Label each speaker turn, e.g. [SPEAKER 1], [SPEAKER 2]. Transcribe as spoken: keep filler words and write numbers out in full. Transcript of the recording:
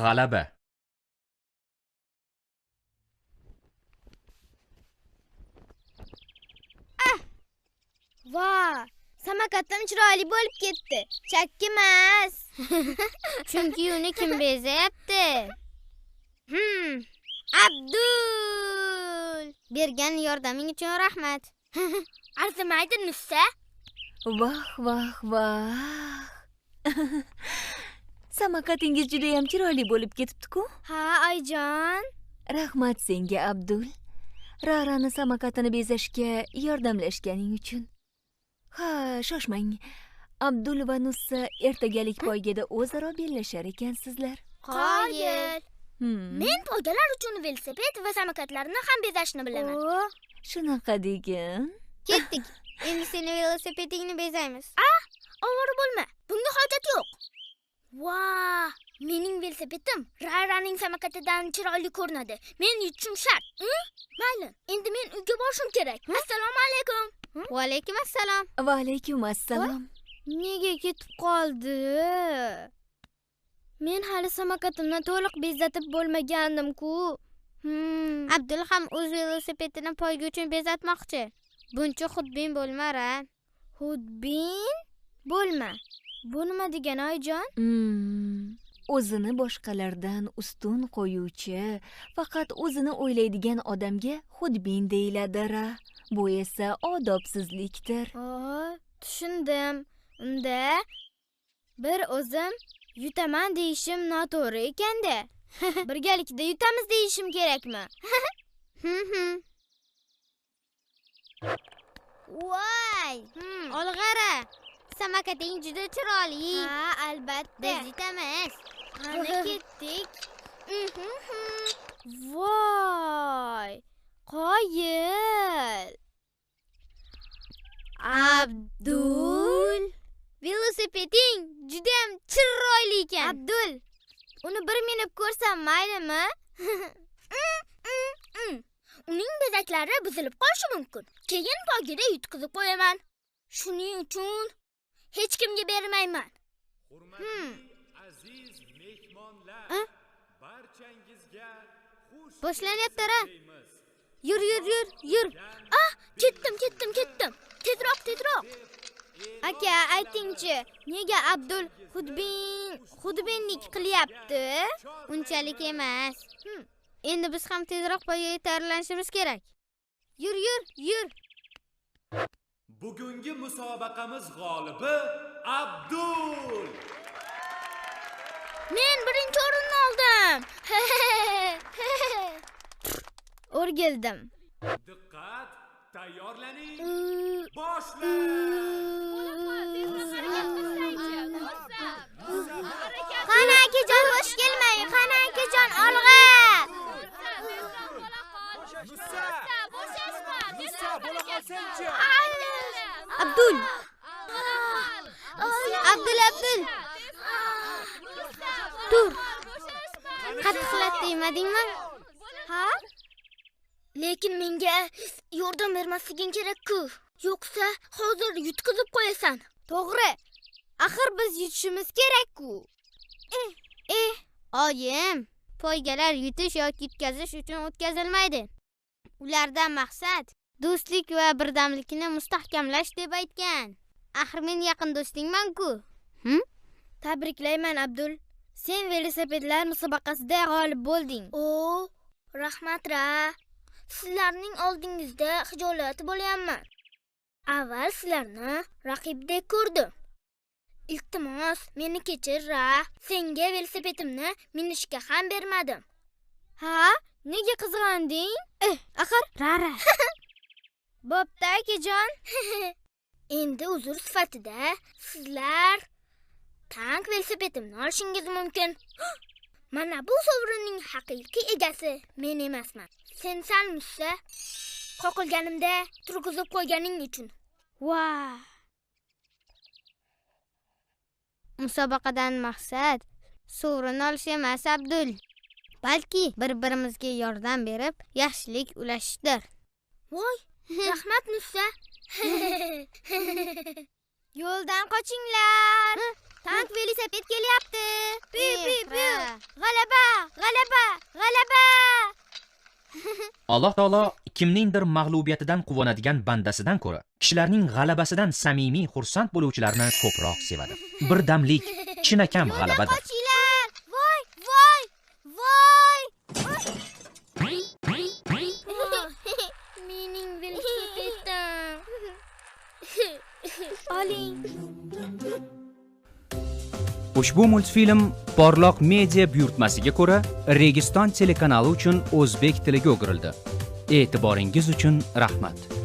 [SPEAKER 1] g'alaba.
[SPEAKER 2] Voy, samokatim chiroyli bo'lib ketdi. Chakki emas.
[SPEAKER 3] Chunki uni kim bezayapti?
[SPEAKER 2] Hmm.
[SPEAKER 3] Abdul! Bergan yordaming uchun rahmat.
[SPEAKER 2] Arzimaydi Nussa.
[SPEAKER 4] Vah, vah, vah. Samokatingiz juda ham chiroyli bo'lib ketibdi-ku.
[SPEAKER 2] Ha, Oyjon.
[SPEAKER 4] Rahmat senga, Abdul. Rarani samokatini bezashga yordamlashganing uchun. Ha, shoshmang. Abdul va Nussa ertagalik poygada o'zaro bellashar ekansizlar.
[SPEAKER 2] Qoyil.
[SPEAKER 4] Hmm.
[SPEAKER 2] Men poygalar uchun velosiped va samokatlarni ham bezashni bilaman.
[SPEAKER 4] O, shunaqa degin.
[SPEAKER 3] Ketdik. Endi seni velosipedingni bezaymiz.
[SPEAKER 2] Ah, ovora bo'lma. Bunga hojat yo'q. Voy, mening velosipedim Raraning samokatidan chiroyli ko'rinadi. Men yutishim shart. Mayli, endi men uyga borishim kerak. Assalomu alaykum.
[SPEAKER 3] Va alaykum assalom.
[SPEAKER 4] Va alaykum assalom.
[SPEAKER 2] Nega ketib qoldi? Men hali samokatimni to'liq bezatib bo'lmagandim-ku. Hmm.
[SPEAKER 3] Abdul ham o'z velosipedini poyga uchun bezatmoqchi. Buncha xudbin bo'lma-ra.
[SPEAKER 2] Xudbin? Bo'lma. Bu nima degani, Oyjon?
[SPEAKER 4] Hmm. O'zini boshqalardan ustun qo'yuvchi, faqat o'zini o'ylaydigan odamga xudbin deyiladi-ra. Bu esa odobsizlikdir.
[SPEAKER 2] Oh, tushundim. Unda bir o'zim yutaman deyishim noto'g'ri ekan-da. Birgalikda yutamiz deyishim kerakmi?
[SPEAKER 3] Voy! Olg'ara. Samokating juda chiroyli.
[SPEAKER 2] Ha, albatta.
[SPEAKER 3] Biz yutamiz.
[SPEAKER 2] Qani ketdik. Voy! Qoyil.
[SPEAKER 3] Abdul, velosipeding juda ham chiroyli ekan.
[SPEAKER 2] Abdul, uni bir minib ko'rsam maylimi? Uning bezaklari buzilib qolishi mumkin. Keyin poygada yutqizib qo'yaman. Shuning uchun hech kimga bermayman.
[SPEAKER 1] Hurmatli aziz mehmonlar, barchangizga xush
[SPEAKER 3] Boshlanyapti-ra. Yur, yur, yur, yur.
[SPEAKER 2] Ah, ketdim, ketdim, ketdim. Tezroq, tezroq. Aka, aytingchi, nega Abdul xudbin, xudbinlik qilyapti?
[SPEAKER 3] Unchalik emas. Endi biz ham tezroq poygaga tayyorlanishimiz kerak. Yur, yur, yur.
[SPEAKER 1] Bugungi musobaqamiz g'olibi Abdul.
[SPEAKER 2] Men birinchi o'rinni oldim. O'rgildim.
[SPEAKER 1] Diqqat, tayyorlaning. Boshlang.
[SPEAKER 2] Qani akajon, bosh kelmang. Qani akajon, olg'a.
[SPEAKER 1] Musa, Musa, bo'la qolsanchi.
[SPEAKER 3] Abdul. Abdul, Abdul. Tur. Qattiqlat demadingmi?
[SPEAKER 2] Ha? Lekin menga yordam bermasliging kerak-ku. Yo'qsa hozir yutqizib qo'yasan. To'g'ri. Axir biz yutishimiz kerak-ku.
[SPEAKER 3] Eh, eh, oyim, poygalar yutish yoki yutkazish uchun o'tkazilmaydi. Ulardan maqsad do'stlik va birdamlikni mustahkamlash deb aytgan. Axir men yaqin do'stingman-ku. Hm?
[SPEAKER 2] Tabriklayman, Abdul. Sen velosipedlar musobaqasida g'olib bo'lding. O, rahmat-ra. Sizlarning oldingizda xijolat bo'lyapman. Avval sizlarni raqibdek ko'rdim. Iltimos, meni kechir-ra. Senga velosipedimni minishga ham bermadim. Ha? Nega qizg'anding? Eh, axir Rara. Bo'pti, akajon. Endi uzr sifatida sizlar tank velosipedimni olishingiz mumkin. Mana bu sovrinning haqiqiy egasi men emasman. Sen salmussa qoqilganimda turg'izib qo'yganing uchun.
[SPEAKER 3] Voy! Musobaqadan maqsad sovrin olish emas, Abdul. Balki bir-birimizga yordam berib, yaxshilik ulashishdir.
[SPEAKER 2] Voy, rahmat Nussa.
[SPEAKER 3] Yo'ldan qochinglar. Tank velosiped kelyapti. Piu piu piu. G'alaba, g'alaba, g'alaba.
[SPEAKER 5] Alloh taolo kimningdir mag'lubiyatidan quvonadigan bandasidan ko'ra, kishilarning g'alabasidan samimiy xursand bo'luvchilarni ko'proq sevadi. Birdamlik chinakam g'alabadir.
[SPEAKER 3] Qochinglar. Voy, voy, voy.
[SPEAKER 2] Mening velosipedim. Oling.
[SPEAKER 6] Ushbu multfilm Porloq media buyurtmasiga ko'ra Registon telekanali uchun o'zbek tiliga o'girildi. E'tiboringiz uchun rahmat.